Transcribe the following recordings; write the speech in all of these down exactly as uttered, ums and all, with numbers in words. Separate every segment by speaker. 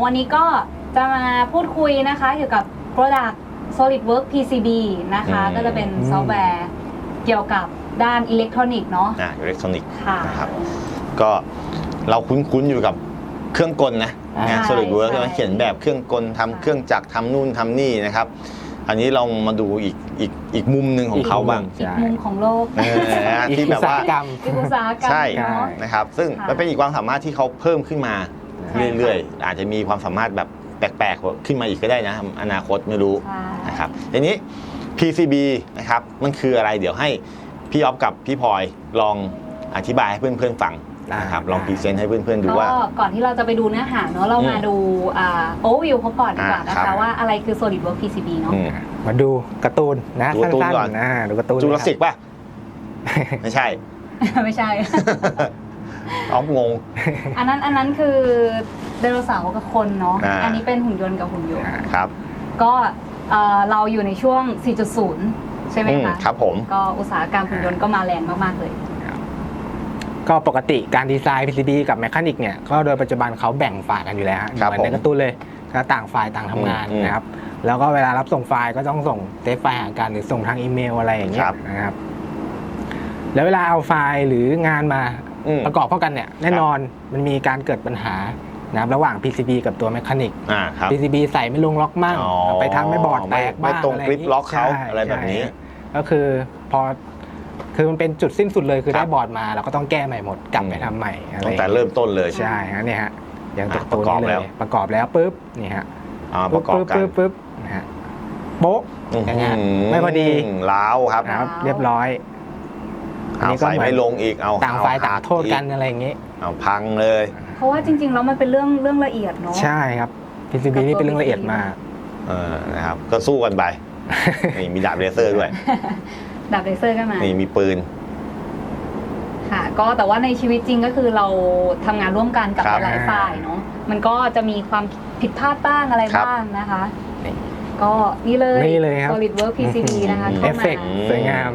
Speaker 1: วันนี้ก็จะมาพูดคุยนะคะเกี่ยวกับ Product SolidWorks พี ซี บี นะคะก็จะเป็นซอฟต์แวร์เกี่ยวกับด้านอิเล็กทรอนิกส์เนาะ
Speaker 2: อ่าอิเล็กทรอนิกส์
Speaker 1: ค่ะ
Speaker 2: นะครับก็เราคุ้นๆอยู่กับเครื่องกลนะงาน SolidWorks เขียนแบบเครื่องกลทำเครื่องจักรทำนู่นทำนี่นะครับอันนี้เรามาดูอีกอีกอีกมุมหนึ่งของเขาบ้าง
Speaker 1: อีกมุมของโลก
Speaker 2: ที่แบบว่า
Speaker 1: อีกอุตสาหกรรม
Speaker 2: ใช่นะครับซึ่งมันเป็นอีกความสามารถที่เขาเพิ่มขึ้นมาเรื่อยๆอาจจะมีความสามารถแบบแปลกๆขึ้นมาอีกก็ได้นะอนาคตไม่รู้นะครับทีนี้ พี ซี บี นะครับมันคืออะไรเดี๋ยวให้พี่อ๊อฟกับพี่พลอยลองอธิบายให้เพื่อนๆฟังนะครับลองพรีเซนต์ให้เพื่อนๆดูว่า
Speaker 1: ก่อนที่เราจะไปดูเนื้อหาเนาะเรามาดูโอเวอร์วิวเขาก่อนดีกว่านะคะว่าอะไรคือ SolidWorks พี ซี บี เนาะ
Speaker 3: มาดูการ์ตูนนะสั้นๆนะดูการ์ตูน
Speaker 2: จูราสสิกป่ะไม่ใช่
Speaker 1: ไม่ใช่
Speaker 2: อ๊อฟงง
Speaker 1: อันนั้นอันนั้นคือไดโนเสาร์กับคนเนาะอันนี้เป็นหุ่นยนต์กับหุ่นยนต์
Speaker 2: ครับ
Speaker 1: ก็เราอยู่ในช่วง สี่จุดศูนย์ ใช่ไหมคะ
Speaker 2: ครับผม
Speaker 1: ก็อุตสาหกรรมหุ่นยนต์ก็มาแรงมากๆเลย
Speaker 3: ก็ปกติการดีไซน์ พี ซี บี กับแมคานิกเนี่ยก็โดยปัจจุบันเขาแบ่งฝ่ายกันอยู่แล้วเหมือนในการ์ตูนเลยก็ต่างฝ่ายต่างทำงานนะครับแล้วก็เวลารับส่งไฟล์ก็ต้องส่งเทปไฟล์หากันหรือส่งทางอีเมลอะไรอย่างเงี้ยนะครับแล้วเวลาเอาไฟล์หรืองานมาประกอบเข้ากันเนี่ยแน่นอนมันมีการเกิดปัญหานะครับระหว่าง พี ซี บี กับตัวแมคานิก พี ซี บี ใส่ไม่ลงล็อกมั่งไปทำไม่บอร์ดแตกบ้าง
Speaker 2: ไม่ตรงกริปล็อกเขาอะไรแบบนี้
Speaker 3: ก็คือพอคือมันเป็นจุดสิ้นสุดเลยคือได้บอร์ดมาเราก็ต้องแก้ใหม่หมดกลับไปทำใหม่
Speaker 2: ตั้งแต่เริ่มต้นเลย
Speaker 3: ใช่ฮะเนี่ยฮะอย่างตัวนี้เลยประกอบแล้วปุ๊บนี่ฮะ
Speaker 2: ประกอบกัน
Speaker 3: ปุ๊บปุ๊บนะฮะโป๊ะอย่างเงี้ยไม่พอดี
Speaker 2: ล้าวครับ
Speaker 3: เรียบร้อย
Speaker 2: อันนี้ก็ไม่ลงอีกเอา
Speaker 3: ต่างฝ่ายต่างโทษกันอะไรอย่างงี้
Speaker 2: เอาพังเลย
Speaker 1: เพราะว่าจริงๆแล้วมันเป็นเรื่องเรื่องละเอียดเนาะ
Speaker 3: ใช่ครับ พี ซี บี นี่เป็นเรื่องละเอียดมาก
Speaker 2: เออนะครับก็สู้กันไปนี่มีดาบเลเซอร์ด้วย
Speaker 1: ดาบเลเซอร์ก็มา
Speaker 2: นี่มีปืน
Speaker 1: ค่ะก็แต่ว่าในชีวิตจริงก็คือเราทำงานร่วมกันกับหลายฝ่ายเนาะมันก็จะมีความผิดพลาดบ้างอะไรบ้างนะคะก็นี่เลย SolidWorks พี ซี บี นะคะ
Speaker 3: เอฟเฟกต์สวยงาม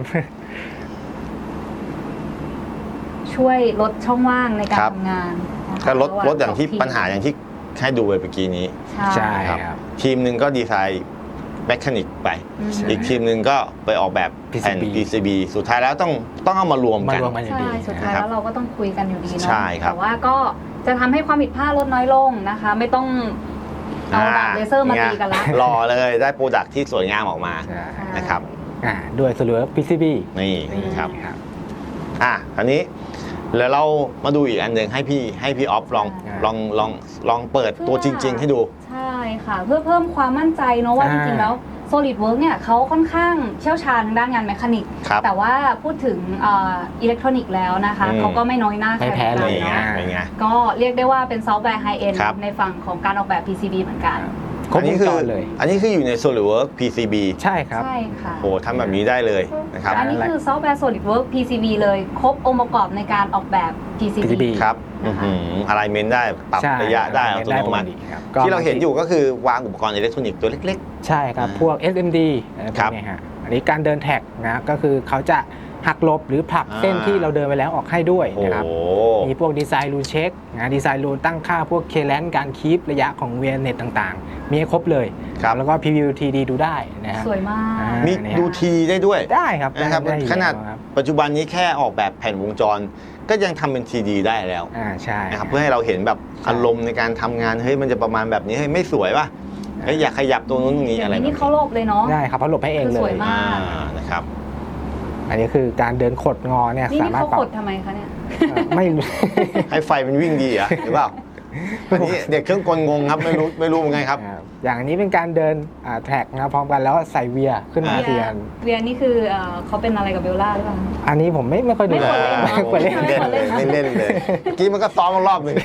Speaker 1: ช่วยลดช่องว่างในการทำงาน
Speaker 2: ก็ลดลดอย่างที่ปัญหาอย่างที่ให้ดูไปเมื่อกี้นี้
Speaker 3: ใช่ครับ
Speaker 2: ทีมหนึ่งก็ดีไซน์แมคานิกไปอีกทีมหนึ่งก็ไปออกแบบแผ่น พี ซี บี สุดท้ายแล้วต้องต้องเอามารวมกัน
Speaker 1: ใช่สุดท้ายแล้วเราก็ต้องคุยกันอยู่ดีเนาะ
Speaker 2: แต่
Speaker 1: ว่าก็จะทำให้ความผิดพลาดลดน้อยลงนะคะไม่ต้องเอาดาบเลเซอร์มาตีกันละ
Speaker 2: รอเลยได้โปรดักที่สวยงามออกมานะครับ
Speaker 3: ด้วย SolidWorks พี ซี บี
Speaker 2: นี่ครับอ่ะคราวนี้แล้วเรามาดูอีกอันหนึ่งให้พี่ให้พี่ออฟลองลองลองลองเปิดตัวจริงๆให้ดู
Speaker 1: ใช่ค่ะเพื่อเพิ่มความมั่นใจเนาะว่าจริงๆแล้ว SolidWorks เนี่ยเขาค่อนข้างเชี่ยวชาญทางด้านงานแมคานิกแต่ว่าพูดถึงอิเล็กทรอนิกส์แล้วนะคะเขาก็ไม่น้อยหน้าใคร
Speaker 3: แพ้เลย
Speaker 1: เนาะก็เรียกได้ว่าเป็นซอฟต์แวร์ไฮเอ็นด์ในฝั่งของการออกแบบ พี ซี บี เหมือนกัน
Speaker 2: อันนี้คืออันนี้คืออยู่ใน SolidWorks พี ซี บี
Speaker 3: ใช่ครับ
Speaker 1: ใช่ค่ะ
Speaker 2: โอ้ทำแบบนี้ได้เลยนะครับ
Speaker 1: อันนี้คือซอฟต์แวร์ SolidWorks พี ซี บี เลยครบองค์ประกอบในการออกแบบ พี ซี บี
Speaker 2: ครับอะไรเมนได้ปรับระยะได้อัตโนมัติที่เราเห็นอยู่ก็คือวางอุปกรณ์อิเล็กทรอนิกส์ตัวเล็ก
Speaker 3: ๆใช่ครับพวก เอส เอ็ม ดี พวกนี้ฮะอันนี้การเดินแท็กนะก็คือเขาจะหักลบหรือผลักเส้นที่เราเดินไปแล้วออกให้ด้วยนะครับมีพวกดีไซน์รูนเช็คนะดีไซน์รูนตั้งค่าพวกเคแลนการคีประยะของเวียนเน็ตต่างๆมีให้ครบเลยแล้วก็พรีวิว ที ดี ดูได้นะครับ
Speaker 1: สวยมาก
Speaker 2: มีดูทีได้ด้วย
Speaker 3: ได้ครับ
Speaker 2: นะครับขนาดปัจจุบันนี้แค่ออกแบบแผ่นวงจรก็ยังทำเป็น ที ดี ได้แล้ว
Speaker 3: อ่าใช่
Speaker 2: นะครับเพื่อให้เราเห็นแบบอารมณ์ในการทำงานเฮ้ยมันจะประมาณแบบนี้เฮ้ยไม่สวยป่ะเฮ้ยอยากขยับตรงนู้นตรงนี้อะไรแบบ
Speaker 1: นี้นี่เขาหลบเลยเนาะ
Speaker 3: ได้ครับเขาหลบให้เองเลย
Speaker 1: สวยมาก
Speaker 2: นะครับ
Speaker 3: อันนี้คือการเดินขดงอเนี่ย
Speaker 1: สามารถปรับนี่เขาขดทำไมคะเนี่ย
Speaker 3: ไม่
Speaker 2: ให้ไฟมันวิ่งดีอ่ะหรือเปล่าอันนี้เด็กเครื่องกลงงครับไม่รู้ไม่รู้เหมือนกันครับ
Speaker 3: อย่างนี้เป็นการเดินแท็กนะพร้อมกันแล้วใส่เวียขึ้นมาเทียน
Speaker 1: เวียนี่คือเขาเป็นอะไรกับเบลล่าหรือเปล่า
Speaker 3: อันนี้ผมไม่ไม่ค่อยดู
Speaker 1: ไม่
Speaker 2: ควรเล่นไม่เล่นเลยเมื่อกี้มันก็ซ้อมรอบหนึ่ง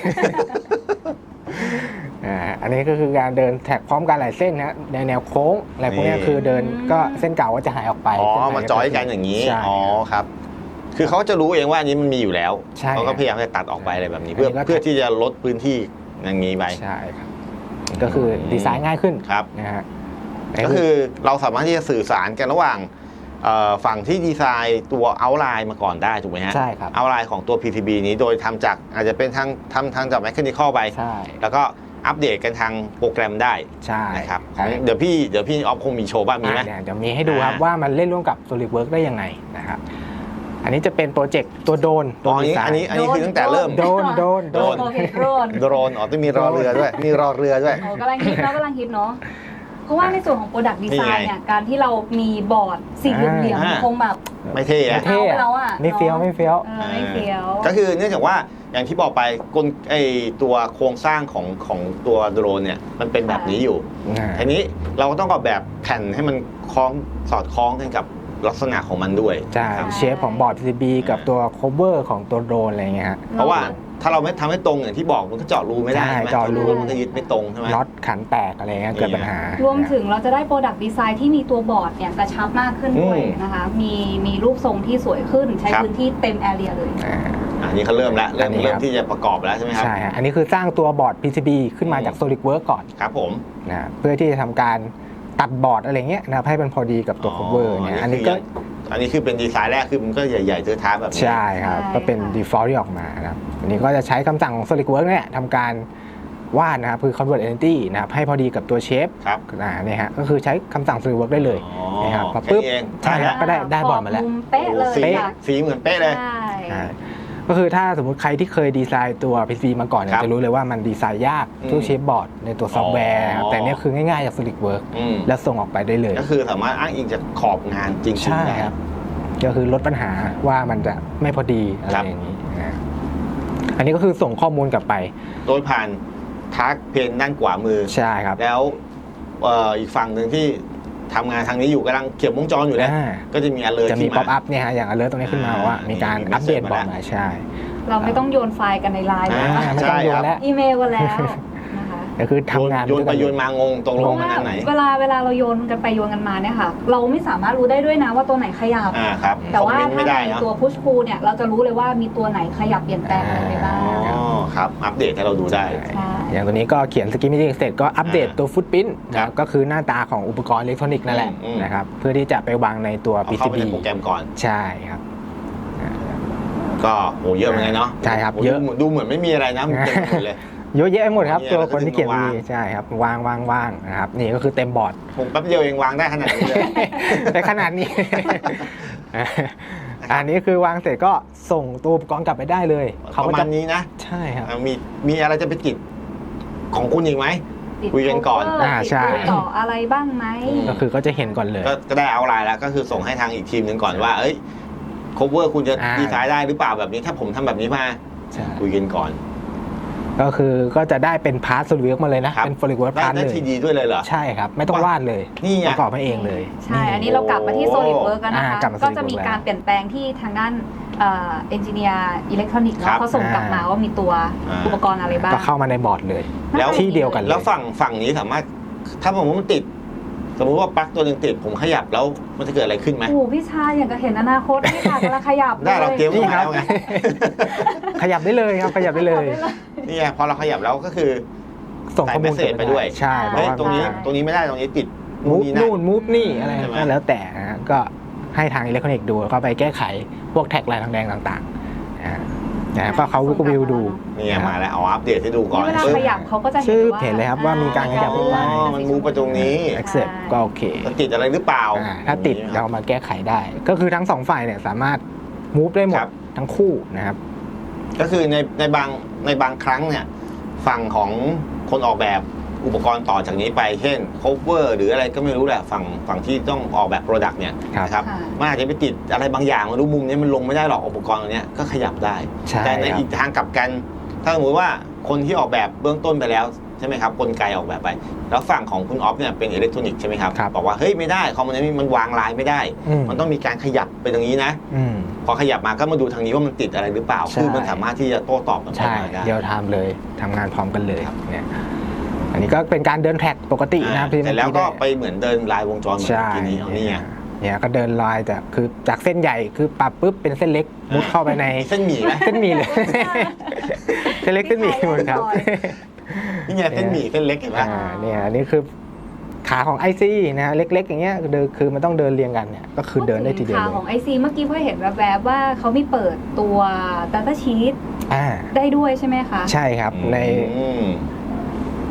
Speaker 3: อันนี้ก็คือการเดินแท็กพร้อมกันหลายเส้นนะในแนวโค้งอะไรพวกนี้คือเดินก็เส้นเก่าก็จะหายออกไป
Speaker 2: อ๋อมาจอยกันอย่างนี้อ๋อครับคือเขาจะรู้เองว่าอันนี้มันมีอยู่แล้วเขาก็พยายามจะตัดออกไปอะไรแบบนี้เพื่อเพื่อที่จะลดพื้นที่อย่างนี้ไป
Speaker 3: ใช่ครับก็คือดีไซน์ง่ายขึ้น
Speaker 2: ครับ
Speaker 3: นะฮะ
Speaker 2: ก็คือเราสามารถที่จะสื่อสารกันระหว่างฝั่งที่ดีไซน์ตัวเอาท์ไลน์มาก่อนได้ถูกไหมฮะ
Speaker 3: ใช่ครับ
Speaker 2: เอาท์ไลน์ของตัว พี ซี บี นี้โดยทำจากอาจจะเป็นทางทำทางจากแมคานิคอลไปแล้วก็อัปเดตกันทางโปรแกรมได้
Speaker 3: ใช่
Speaker 2: นะครับ
Speaker 3: ใช่
Speaker 2: เดี๋ยวพี่เดี๋ยวพี่ออฟคงมีโชว์บ้างมีไหม
Speaker 3: อ่ะเดี๋ยวมีให้ดูครับ
Speaker 2: อ่า
Speaker 3: ว่ามันเล่นร่วมกับ SolidWorks ได้ยังไงนะครับอันนี้จะเป็นโปรเจกต์ตัวโดรน
Speaker 2: อ๋
Speaker 3: ตัว
Speaker 2: ออัน
Speaker 3: ดี
Speaker 2: นี้
Speaker 3: ไซ
Speaker 2: อัน
Speaker 3: น์
Speaker 2: นี้อันนี้คือตั้งแต่เริ่ม
Speaker 3: โดรนโดรน
Speaker 2: โดรน
Speaker 1: โอเคโดรน
Speaker 2: โดรนอ๋อต้องมีรอเรือด้วย มีรอเรือด้วย
Speaker 1: โอ้กำลังฮิตเนาะกำลังฮิตเนาะเพราะว่าในส่วนของ Product
Speaker 2: นี่
Speaker 1: Design
Speaker 2: ไง
Speaker 1: เนี่ยการที่เรามีบอร์ดสีเหลี่ยม
Speaker 2: อ่า
Speaker 1: ๆคงแบบ
Speaker 2: ไม่เท่อะ
Speaker 3: เท่
Speaker 1: เอาไป
Speaker 3: อะ
Speaker 1: แล้วอะ
Speaker 3: ไม่เฟี้ยว
Speaker 1: เนอะ
Speaker 3: ไม่เฟี้ยว
Speaker 1: เออไม่เฟี้ยว
Speaker 2: ก็คือเนื่องจากว่าอย่างที่บอกไปกลไอตัวโครงสร้างของของตัวโดรนเนี่ยมันเป็นแบบนี้อยู่
Speaker 3: อ่า
Speaker 2: ทีนี้เราก็ต้องออกแบบแผ่นให้มันคล้องสอดคล้องกันกับลักษณะของมันด้วย
Speaker 3: ใช่
Speaker 2: ครับ
Speaker 3: เชฟของบอร์ด พี ซี บี กับตัว cover ของตัวโดรนอะไรเงี้ยฮะ
Speaker 2: เพราะว่าถ้าเราไม่ทำให้ตรงอย่างที่บอกมันก็เจาะรูไม่ได้
Speaker 3: ใช่
Speaker 2: ใช่ไหม
Speaker 3: เจาะรู
Speaker 2: มันก็ยึดไม่ตรงใช่ไหม
Speaker 3: น็อตขันแตกอะไรเงี้ยเกิดปัญหาร
Speaker 1: วมถึงเราจะได้ Product Design ที่มีตัวบอร์ดเนี่ยกระชับมากขึ้นด้วย
Speaker 2: อืม
Speaker 1: นะคะ มีมีรูปทรงที่สวยขึ้น ใช้
Speaker 2: ครับ
Speaker 1: พื้นที่เต็มแอเรียเลย
Speaker 3: อ่า
Speaker 2: อันนี้เขาเริ่มแล้วเริ่
Speaker 3: อั
Speaker 2: ม
Speaker 3: นนี้
Speaker 2: เริ่ม
Speaker 3: ครับ
Speaker 2: ที่จะประกอบแล้วใช่ไหมครับ
Speaker 3: ใช่ฮะอันนี้คือสร้างตัวบอร์ด พี ซี บี ขึ้นมาจาก
Speaker 2: อืม
Speaker 3: SolidWorks ก่อน
Speaker 2: ครับผม
Speaker 3: นะเพื่อที่จะทำการตัดบอร์ดอะไรเงี้ยนะครับให้มันพอดีกับตัว cover เนี่ยอันนี้ก็
Speaker 2: อันนี้คือเป็นดีไซน์แรกคือมันก็ใหญ่ๆเทอะท้าแบบนี้
Speaker 3: ใช่ครับ
Speaker 1: ใช่
Speaker 3: ก็เป็น
Speaker 1: ค่ะ
Speaker 3: default ที่ออกมานะครับอันนี้ก็จะใช้คำสั่งของ SolidWorks เนี่ยทำการวาดนะครับคือ convert entity นะครับให้พอดีกับตัวเชฟ
Speaker 2: ครับ
Speaker 3: อ่าเนี่ยฮะก็คือใช้คำสั่ง SolidWorks ได้เลย
Speaker 2: อ๋อ
Speaker 3: นะครับพอ
Speaker 2: แค่
Speaker 3: ปุ๊บ
Speaker 2: นี้เอง
Speaker 3: ใช่ครับ ก็ได้ได้บอร์ดมาแล้ว
Speaker 1: มุมเป๊ะเลย
Speaker 2: สี
Speaker 1: ค่ะ
Speaker 2: สีเหมือนเป๊ะเลย
Speaker 1: ใช่
Speaker 3: ใช่ก็คือถ้าสมมุติใครที่เคยดีไซน์ตัว พี ซี มาก่อนเนี่
Speaker 2: ครั
Speaker 3: ย
Speaker 2: บ
Speaker 3: จะรู้เลยว่ามันดีไซน์ยาก
Speaker 2: อืม
Speaker 3: ทุกเชฟบอร์ดในตัวซอฟต์แวร์นะครับ
Speaker 2: อ๋อ
Speaker 3: แต่เนี่ยคือง่ายๆจาก SolidWorks
Speaker 2: อืม
Speaker 3: แล้วส่งออกไปได้เลย
Speaker 2: ก็คือสามารถอ้างอิงจากขอบงานจริงๆ
Speaker 3: ใช่
Speaker 2: ได้
Speaker 3: ครับ ก็คือลดปัญหาว่ามันจะไม่พอดีอะไร
Speaker 2: ครับ
Speaker 3: อย่างนี้นะอันนี้ก็คือส่งข้อมูลกลับไป
Speaker 2: โดยผ่านทักเพนด้านขวามือ
Speaker 3: ใช่ครับ
Speaker 2: แล้วเอ่ออีกฝั่งหนึ่งที่ทำงานทางนี้อยู่กำลังเขียนวงจรอยู่แล้ว
Speaker 3: อ่า
Speaker 2: ก็จะมี alert
Speaker 3: จะมี
Speaker 2: ขึ้น
Speaker 3: ป๊อป
Speaker 2: มา
Speaker 3: อัพเนี่ยฮะอย่าง alert ตรงนี้ขึ้นมา
Speaker 2: อ่า
Speaker 3: ว่ามีการ
Speaker 2: มี
Speaker 3: อัปเดต
Speaker 2: message
Speaker 3: บอร์ด
Speaker 2: มา
Speaker 3: มาใช่
Speaker 1: เราไม่ต้องโยนไฟล์กันในไลน์
Speaker 2: อ่า
Speaker 1: แล้ว
Speaker 3: อ่าไม่ต้องโยนแล้ว
Speaker 1: อีเมลกันแล้วนะคะ
Speaker 3: ก็คือทำงาน
Speaker 2: โยนไป
Speaker 3: ด้วยกั
Speaker 2: โยนมางงตรง
Speaker 1: เพ
Speaker 2: ล
Speaker 1: ราะ
Speaker 2: งมัน
Speaker 1: ว่า
Speaker 2: อันไหน
Speaker 1: เวลาเวลาเราโยนกันไปโยนกันมาเนี่ยค่ะ เราไม่สามารถรู้ได้ด้วยนะว่าตัวไหนขยับ
Speaker 2: อ่าครับ
Speaker 1: แต่ว่า
Speaker 2: คอมเมนต์
Speaker 1: ถ้า
Speaker 2: ไม่ได้
Speaker 1: ใน
Speaker 2: เนาะ
Speaker 1: ตัว push pull เนี่ยเราจะรู้เลยว่ามีตัวไหนขยับเปลี่ยนแปลงอะไรไปบ้าง
Speaker 2: อ๋อครับอัปเดตให้เราดูได้
Speaker 1: ใช่
Speaker 3: อย่างตัวนี้ก็เขียนสกิมมิ่งเสร็จก็อัปเดต
Speaker 2: อ่า
Speaker 3: ตัวฟุตพิ้น
Speaker 2: ครับ
Speaker 3: ก็คือหน้าตาของอุปกรณ์อิเล็กทรอนิกส์นั่นแหละ
Speaker 2: อืม
Speaker 3: นะครับเพื่อที่จะไปวางในตัว
Speaker 2: เอา
Speaker 3: พี
Speaker 2: เข้า
Speaker 3: ซี
Speaker 2: ไป
Speaker 3: บี
Speaker 2: ในโปรแกรมก่อน
Speaker 3: ใช่ครับ
Speaker 2: ก็โหเยอะเหมือนกันเนาะ
Speaker 3: ใช่ครับ
Speaker 2: โห
Speaker 3: เยอะ
Speaker 2: ดูดูเหมือนไม่มีอะไรนะมันเต็มไปหมดเลย
Speaker 3: เยอะแยะไปหมดครับ
Speaker 2: มีอะไร
Speaker 3: ตัวคนที่เขียน
Speaker 2: ก็ดึงมาวาง
Speaker 3: มีใช่ครับวางวางวางนะครับนี่ก็คือเต็มบอร์ด
Speaker 2: ผมแป๊บเดียวเองวางได้ขนาดนี้เลย
Speaker 3: ในขนาดนี้ อันนี้คือวางเสร็จก็ส่งตัวอุปกรณ์กลับไปได้เลย
Speaker 2: ป
Speaker 3: เขา
Speaker 2: ระ
Speaker 3: ก็
Speaker 2: มา
Speaker 3: จะ
Speaker 2: ณนี้นะ
Speaker 3: ใช่ครับ
Speaker 2: อ่ะมีมีอะไรจะไปติดของคุณอีกไหม
Speaker 1: ติด
Speaker 2: คุยกันก่อน
Speaker 1: cover
Speaker 3: อ่าใช่
Speaker 1: ติดตัวต่ออะไรบ้างไหม
Speaker 2: อืม
Speaker 3: ก็คือก็จะเห็นก่อนเลย
Speaker 2: ก็ก็ได้เอาไลน์แล้วก็คือส่งให้ทางอีกทีมหนึ่งก่อนว่า เอ้ย cover คุณจะ
Speaker 3: อ่า
Speaker 2: ดีไซน์ได้หรือเปล่าแบบนี้ถ้าผมทำแบบนี้มา
Speaker 3: ใช่
Speaker 2: คุยกันก่อน
Speaker 3: ก็คือก็จะได้เป็นพาร์ทโซลิดเวิร์กมาเลยนะ
Speaker 2: ครับ
Speaker 3: เป็นโซลิดเวิร์ก
Speaker 2: ได้
Speaker 3: พาร์ท
Speaker 2: ได้
Speaker 3: เลย
Speaker 2: ทีดีด้วยเลยเหรอ
Speaker 3: ใช่ครับ ไม่ต้องวาดเลย
Speaker 2: นี่ไง
Speaker 3: ประกอบให้เองเลย
Speaker 1: ใช่ อันนี้เรากลับมาที่
Speaker 2: โอ้
Speaker 1: SolidWorks กันนะ
Speaker 3: อ่า
Speaker 1: คะ
Speaker 3: กลับมา
Speaker 1: ก็จะมี
Speaker 3: SolidWorks
Speaker 1: การเปลี่ยนแปลงที่ทางด้านเอนจิเนียร์อิเล็กทรอนิกส์
Speaker 2: ครับ
Speaker 1: เขาส่งกลับมาว่ามีตัว
Speaker 2: อ่า
Speaker 1: อุปกรณ์อะไรบ้าง
Speaker 3: ก็เข้ามาในบอร์ดเลย
Speaker 2: แล้ว
Speaker 3: ที่เดียวกันเลย
Speaker 2: แล้วฝั่งฝั่งนี้สามารถ ถ้าผมว่ามันติด สมมติว่าปลั๊กตัวหนึงติดผมขยับแล้วมันจะเกิดอะไรขึ้นไหม
Speaker 1: โอ้โหพี่ชายอย่างกับเห็นอนาคตพี่ชายกำลังขยับ
Speaker 2: ได้เราเตรียม
Speaker 1: ล
Speaker 2: ไว้แล้วไง
Speaker 3: ขยับได้เลยครับขยับได้เลย
Speaker 2: นี่ไงพอเราขยับแล้วก็คือ
Speaker 3: ส่งข้อมูล
Speaker 2: ใส่ message ไปด้วย
Speaker 3: ใช่เพ
Speaker 2: เฮ้
Speaker 3: ราะ
Speaker 2: ย
Speaker 3: ว่า
Speaker 2: ตรงนี้ตรงนี้ไม่ได้ตรงนี้ติด
Speaker 3: มูฟ
Speaker 2: นี่
Speaker 3: นู่นมูฟนี่อะไร
Speaker 2: ใช่ไหม
Speaker 3: ก็แล้วแต่นะฮะก็ให้ทางอิเล็กทรอนิกส์ดูแล้วก็ไปแก้ไขพวกแท็กลายทางแดงต่างๆนะฮะนะก็เขาก็วิวดู
Speaker 2: นี่ไงมาแล้วเอาอัปเดตให้ดูก่อน
Speaker 1: เวลา
Speaker 2: ปึ๊บ
Speaker 1: ขยับเขาก็จะเห็น
Speaker 3: ชื่อ
Speaker 1: ว่า
Speaker 3: เห็นเลยครับว่ามีการขยับ
Speaker 2: อ๋อมันมูฟไปตรงนี้
Speaker 3: accept ก็โอเค
Speaker 2: มันติดอะไรหรือเปล่า
Speaker 3: อ่าถ้าติด
Speaker 2: อย่งนี้
Speaker 3: เรามาแก้ไขได้ ก็คือทั้งสองฝ่ายเนี่ยสามารถมูฟได้หมด
Speaker 2: ครับ
Speaker 3: ทั้งคู่นะครับ
Speaker 2: ก็คือในในบางในบางครั้งเนี่ยฝั่งของคนออกแบบอุปกรณ์ต่อจากนี้ไปเช่น cover หรืออะไรก็ไม่รู้แหละฝั่งฝั่งที่ต้องออกแบบ product เนี่ย
Speaker 3: ครับ
Speaker 2: นะครับ
Speaker 1: ค่ะ
Speaker 2: มันอาจจะไปติดอะไรบางอย่างไมารู้มุมนี้มันลงไม่ได้หรอกอุปกรณ์ตัวเนี้ยก็ขยับได้
Speaker 3: ใช่
Speaker 2: แต่ใน
Speaker 3: ครับ
Speaker 2: อีกทางกลับกัน ถ้าสมมติว่าคนที่ออกแบบเบื้องต้นไปแล้วใช่ไหมครับกลไกออกแบบไป แล้วฝั่งของคุณออฟเนี่ยเป็นอิเล็กทรอนิกส์ใช่ไหมครับ
Speaker 3: ครับ
Speaker 2: บอกว่าเฮ้ยไม่ได้คอมมานด์มันวางลายไม่ได้
Speaker 3: อืม
Speaker 2: มันต้องมีการขยับไปตรงนี้นะ
Speaker 3: อืม
Speaker 2: พอขยับมาก็มาดูทางนี้ว่ามันติดอะไรหรือเปล่า
Speaker 3: ใช่
Speaker 2: คือมันสามารถที่จะโต้ตอบกันไป
Speaker 3: ใช่
Speaker 2: มาได้
Speaker 3: เดียวไทม์เลยทำงานพร้อมกันเลยเนี่ยอันนี้ก็เป็นการเดินแท็กปกตินะครับที่
Speaker 2: แต่แล้วก็
Speaker 3: เมื่อ
Speaker 2: ไปเหมือนเดินลายวงจรเหมือน
Speaker 3: ใช่
Speaker 2: ทีนี้เอานี่ไง
Speaker 3: เนี่ยก็เดินลายแต่คือจากเส้นใหญ่คือปรับปุ๊บเป็นเส้นเล็กมุดเข้าไปใน
Speaker 2: เส้นหมี่ไหม
Speaker 3: เส้นหมี่เลย เส้นเล็กเส้นหมี่หมดครับ
Speaker 2: นี่ไงเส้นหมี่เส้นเล็กเห็นไหม
Speaker 3: อ่าเนี่ยอันนี้คือขาของ ไอ ซี นะฮะเล็กๆอย่างเงี้ยเดินคือมันต้องเดินเรียงกันเนี่ยก็คือเดินได้ทีเดียว
Speaker 1: ขา
Speaker 3: เลย
Speaker 1: ของ ไอ ซี เมื่อกี้พ่อเห็นแวบๆว่าเขามีเปิดตัว Data Sheet
Speaker 3: อ่า
Speaker 1: ได้ด้วยใช่ไหมคะ
Speaker 3: ใช่ครับใน
Speaker 2: อืม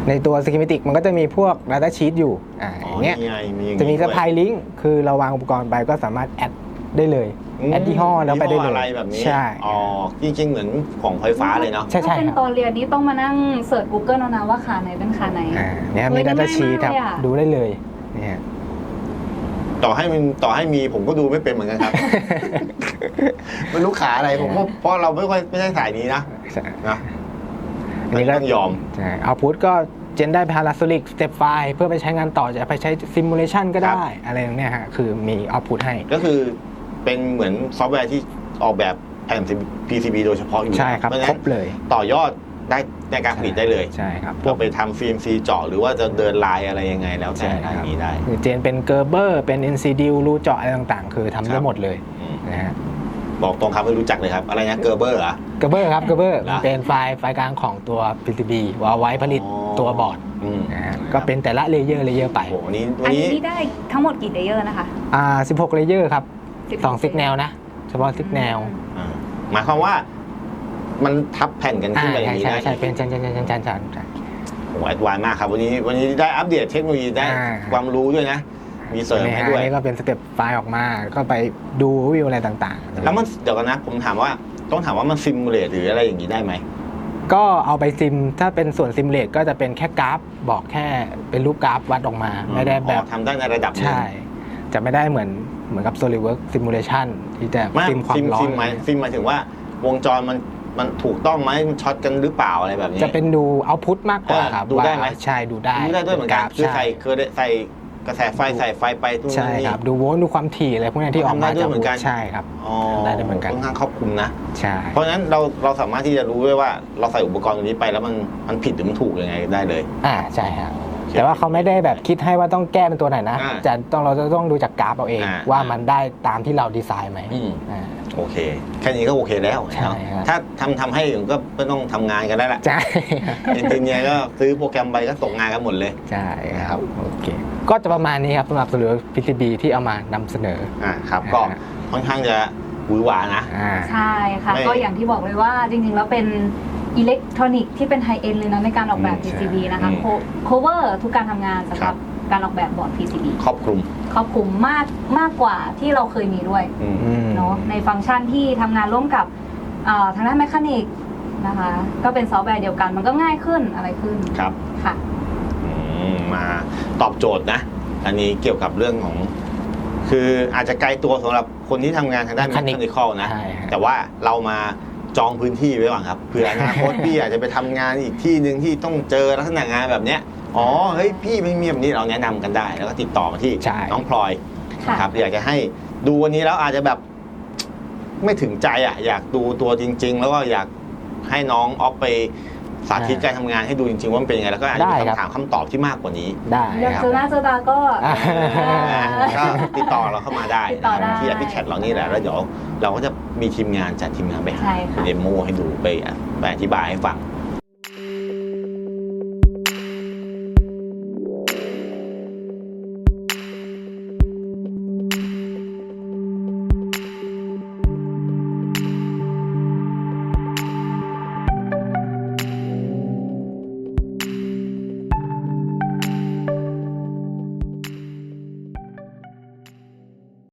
Speaker 3: ในตัว Schematic มันก็จะมีพวก Data Sheet อยู่อ่า
Speaker 2: อ๋อ
Speaker 3: อย่างเงี้ย
Speaker 2: นี่ไงมีอย่าง
Speaker 3: จะมี
Speaker 2: นี้
Speaker 3: ส
Speaker 2: ด้วย
Speaker 3: ปายลิงก์คือเราวางอุปกรณ์ไปก็สามารถแอดได้เลย
Speaker 2: อืม
Speaker 3: แอดยี่ห้อแล้วไปได้เลย
Speaker 2: ยี่ห้ออะไรแบบนี้
Speaker 3: ใช่
Speaker 2: อ๋อจริงๆเหมือนของไฟฟ้าเลยเนาะ
Speaker 3: ใช่ใช่
Speaker 1: ถ้าเป็น
Speaker 3: ครับ
Speaker 1: ตอนเรียนนี้ต้องมานั่งเสิร์ช Google เอานะว่าขาไหนเป็นขาไหน
Speaker 3: อ่าเนี่ย
Speaker 1: เฮ้
Speaker 3: มี
Speaker 1: ย
Speaker 3: Data
Speaker 1: ง่ายมาก
Speaker 3: Sheet ครับ
Speaker 1: เลยอะ
Speaker 3: ดูได้เลยเนี่ย
Speaker 2: ต่อให้มันต่อให้มีผมก็ดูไม่เป็นเหมือนกันครับ ไม่รู้ขาอะไรผมก็เพราะเราไม่ค่อยไม่ใช่สายนี้นะ
Speaker 3: ใช่
Speaker 2: นะ
Speaker 3: อันนี้ก็
Speaker 2: ต้องยอม
Speaker 3: ใช่เอาพุทก็เจนได้ Parasolic Step File เพื่อไปใช้งานต่อจะไปใช้ Simulation ก็ได้อะไรอย่างเนี้ยฮะคือมี Output ให้
Speaker 2: ก็คือเป็นเหมือนซอฟต์แวร์ที่ออกแบบแผ่น พี ซี บี โดยเฉพาะอยู่
Speaker 3: ใช่ครับ
Speaker 2: เพราะฉะ
Speaker 3: คร
Speaker 2: นั้น
Speaker 3: บเลย
Speaker 2: ต่อยอดได้ในการผลิตได้เลย
Speaker 3: ใช่ครับ
Speaker 2: เราไปทำฟิล์มซีเจาะหรือว่าจะเดินลายอะไรยังไงแล้วแต่
Speaker 3: ใช่ค
Speaker 2: ทา
Speaker 3: รั
Speaker 2: ง
Speaker 3: บ
Speaker 2: นี้ได้
Speaker 3: คือเจนเป็นเกอร์เบอร์เป็น เอ็น ซี ดี รูเจาะอะไรต่างๆ คือทำ
Speaker 2: ครั
Speaker 3: ได้
Speaker 2: บ
Speaker 3: หมดเลย
Speaker 2: อืม
Speaker 3: นะฮะ
Speaker 2: บอกตรงครับไม่รู้จักเลยครับ อะไรนะเกอร์เบอร์เหรอ
Speaker 3: เกอร์เบอร์ครับเกอร์เบอร์
Speaker 2: เหรอ
Speaker 3: เป็นไฟล์ไฟล์กลางของตัว พี ซี บี ว่าไว้ผลิต
Speaker 2: อ๋อ
Speaker 3: ตัวบอร์ด
Speaker 2: อืม
Speaker 3: นะฮะก็เป็นแต่ละเลเยอร์เลเยอร์ไป
Speaker 2: โอ้โหวันนี้วั
Speaker 1: อั
Speaker 2: น
Speaker 1: น
Speaker 2: นี้
Speaker 1: นี้ได้ทั้งหมดกี่เลเยอร์นะคะ
Speaker 3: อ่าสิบหกเลเยอร์ครับ
Speaker 1: สิบหก
Speaker 3: สองซิกแนลนะ เฉพาะซิกแนล
Speaker 2: อ่าหมายความว่ามันทับแผ่นกันขึ้นไปอย่างนี้
Speaker 3: ใช่
Speaker 2: ได้
Speaker 3: ใช่เป็นจันจันจันจันจันจันจัน
Speaker 2: โอ้โหแอดวานซ์มากครับวันนี้วันนี้ได้อัปเดตเทคโนโลยีได้
Speaker 3: อ่า
Speaker 2: ความรู้ด้วยนะ มีเสริมให้ด้วย
Speaker 3: อันนี้ก็เป็นสเต็ปไฟล์ออกมาก็ไปดูวิวอะไรต่างๆ
Speaker 2: แล้วมันเดี๋ยวกันนะ ผมถามว่าต้องถามว่ามันซิมูเลตหรืออะไรอย่างนี้ได้ไหม
Speaker 3: ก็เอาไปซิมถ้าเป็นส่วนซิมเลตก็จะเป็นแค่กราฟบอกแค่เป็นรูปกราฟวัดออกมา ไม่ได้แบบ
Speaker 2: อ๋อทำได้ในระดับหนึ่ง
Speaker 3: ใช่ จะไม่ได้เหมือนเหมือนกับ SolidWorks Simulation ที่จะ
Speaker 2: ไม่
Speaker 3: ซิมความ
Speaker 2: ซิม
Speaker 3: ร้อ
Speaker 2: ซิ
Speaker 3: น
Speaker 2: มหมายซิมหมายถึงว่าวงจรมันมันถูกต้องไหมมันช็อตกันหรือเปล่าอะไรแบบนี้
Speaker 3: จะเป็นดูเอาพุตมากกว่า
Speaker 2: อ่า
Speaker 3: ครับ
Speaker 2: ดูได้ไหม
Speaker 3: ว่าใช่ดูได้
Speaker 2: ดูได้ด้วยเหมือนกัน
Speaker 3: ราฟ
Speaker 2: คือใส่
Speaker 3: ช่
Speaker 2: คือใส่กระแสไฟใส่ไฟไปทุก
Speaker 3: ใช่
Speaker 2: นี่
Speaker 3: ครับ ดูโวลต์ดูความถี่อะไรพวกนี้ที่ออกมา
Speaker 2: ทำได้ด้วย
Speaker 3: จาก
Speaker 2: เหมือนกัน
Speaker 3: ใช่ครับ
Speaker 2: อ๋อ
Speaker 3: ได้ด้วยเหมือนกัน
Speaker 2: ค่อนข้างครอบคลุมนะ
Speaker 3: ใช่
Speaker 2: เพราะฉะนั้นเราเราสามารถที่จะรู้ด้วยว่าเราใส่อุปกรณ์ตรงนี้ไปแล้วมันมันผิดหรือมันถูกยังไงได้เลย
Speaker 3: อ่าใช่ครับแต่ว่าเขาไม่ได้แบบคิดให้ว่าต้องแก้เป็นตัวไหนนะ
Speaker 2: อ่า
Speaker 3: จะต้องเราจะต้องดูจากกราฟเอาเอง
Speaker 2: อ่า
Speaker 3: ว่ามันได้ตามที่เราดีไซน์ไหม
Speaker 2: อืม
Speaker 3: อ่า
Speaker 2: โอเค แค่นี้ก็โอเคแล้ว
Speaker 3: ใช่
Speaker 2: เนาะ
Speaker 3: ครับ
Speaker 2: ถ้าทำทำให้ผมก็ไม่ต้องทำงานกันได้ละ
Speaker 3: ใช่
Speaker 2: เอนจิเนียร์ก็ซื้อโปรแกรมไปก็ส่งงานกันหมดเลย
Speaker 3: ใช่ครับโอเคก็จะประมาณนี้ครับสำหรับส่วนเหลือ พี ซี บี ที่เอามานำเสนอ
Speaker 2: อ่าครับก็ค่อนข้างจะหวือหวานะ
Speaker 3: อ่า
Speaker 1: ใช่ค่ะ
Speaker 2: ไม่
Speaker 1: ก็อย่างที่บอกเลยว่าจริงๆ แล้วเป็นอิเล็กทรอนิกส์ที่เป็นไฮเอ็นเลยนะในการออกแบบ
Speaker 2: อืม
Speaker 1: พี ซี บี นะคะ
Speaker 2: อืม
Speaker 1: โคเวอร์ทุกการทำงานสำห
Speaker 2: ครั
Speaker 1: รับบ การออกแบบบอร์ด พี ซี บี
Speaker 2: ครอบคลุม
Speaker 1: ครอบคลุมมากมากกว่าที่เราเคยมีด้วย
Speaker 2: อืม
Speaker 3: อืม
Speaker 1: เนาะในฟังก์ชันที่ทำงานร่วมกับเอ่อทางด้านแมคานิกนะคะ ก็เป็นซอฟต์แวร์เดียวกันมันก็ง่ายขึ้นอะไรขึ้น
Speaker 2: ครับ
Speaker 1: ค่ะ
Speaker 2: อืมมาตอบโจทย์นะ อันนี้เกี่ยวกับเรื่องของ คืออาจจะไกลตัวสำหรับคนที่ทำงานทางด้าน
Speaker 3: Mechanic
Speaker 2: เมคานิคอลนะ
Speaker 3: ใช่ฮะ
Speaker 2: แต่ว่าเรามาจองพื้นที่ไว้ก่อนครับเผื่ออนาคต พี่อาจจะไปทำงานอีกที่หนึ่งที่ต้องเจอลักษณะงานแบบเนี้ยอ๋อเฮ้ยพี่ไม่มีแบบนี้เราแนะนำกันได้ แล้วก็ติดต่อมาที่
Speaker 3: ใช่
Speaker 2: น้องพลอย
Speaker 1: ค่ะ
Speaker 2: นะครับอยากจะให้ดูวันนี้แล้วอาจจะแบบไม่ถึงใจอ่ะอยากดูตัวจริง ๆ แล้วก็อยากให้น้องออฟไปสาธิตการทำงานให้ดูจริง ๆ ว่ามันเป็นยังไงแล้วก็อาจจะมี
Speaker 3: ได้ครับ
Speaker 2: คำถามคำตอบที่มากกว่านี้
Speaker 3: ได้
Speaker 1: อยาก
Speaker 3: ครับ
Speaker 1: เจอหน้าเจอตาก็
Speaker 3: อ่า
Speaker 2: ก็ติดต่อเราเข้ามาได้
Speaker 1: ติดต่อได้
Speaker 2: ที่แอปพลิเคชันเรานี่แหละแล้วเดี๋ยวเราก็จะมีทีมงานจัดทีมงานไปหา
Speaker 1: ใช่ค่ะ
Speaker 2: เดโมให้ดูไปไปอธิบายให้ฟัง